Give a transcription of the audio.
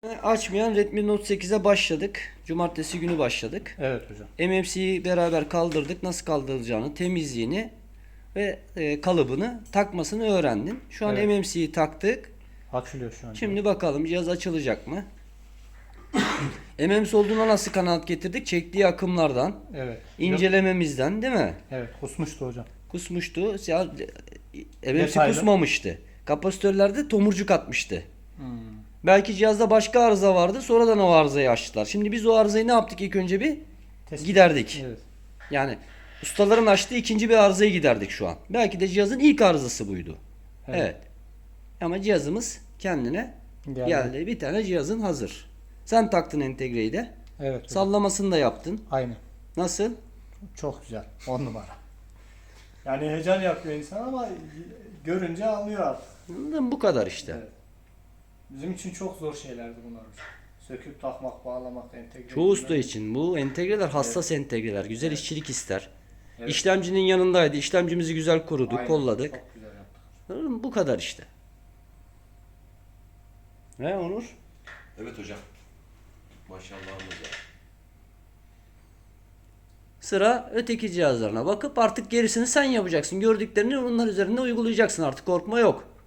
Açmayan Redmi Note 8'e başladık. Cumartesi günü başladık. Evet hocam. MMC'yi beraber kaldırdık. Nasıl kaldırılacağını, temizliğini ve kalıbını takmasını öğrendin. Şu an Evet. MMC'yi taktık. Açılıyor şu an. Şimdi bakalım cihaz açılacak mı? MMC olduğuna nasıl kanaat getirdik? Çektiği akımlardan, Evet. incelememizden, değil mi? Evet. Kusmuştu hocam. Kusmuştu. Ya, MMC Detaylı. kusmamıştı. Kapasitörlerde tomurcuk atmıştı. Hmm. Belki cihazda başka arıza vardı. Sonradan o arızayı açtılar. Şimdi biz o arızayı ne yaptık ilk önce bir? Tespit. Giderdik. Evet. Yani ustaların açtığı ikinci bir arızayı giderdik şu an. Belki de cihazın ilk arızası buydu. Evet. Ama cihazımız kendine geldi. Bir tane cihazın hazır. Sen taktın entegreyi de. Evet hocam. Sallamasını da yaptın. Aynı. Nasıl? Çok güzel. 10 numara. Yani heyecan yapıyor insan ama görünce anlıyor artık. Anladın mı? Bu kadar işte. Evet. Bizim için çok zor şeylerdi bunlar hocam. Söküp takmak, bağlamak, entegre. Çoğu usta için bu entegreler hassas entegreler. Güzel işçilik ister. Evet. İşlemcinin yanındaydı. İşlemcimizi güzel koruduk, Aynen. kolladık. Çok güzel yaptık. Anladın mı? Bu kadar işte. Ne Onur? Evet hocam. Maşallahımız var. Sıra öteki cihazlarına bakıp artık gerisini sen yapacaksın. Gördüklerini onlar üzerinde uygulayacaksın. Artık korkma yok.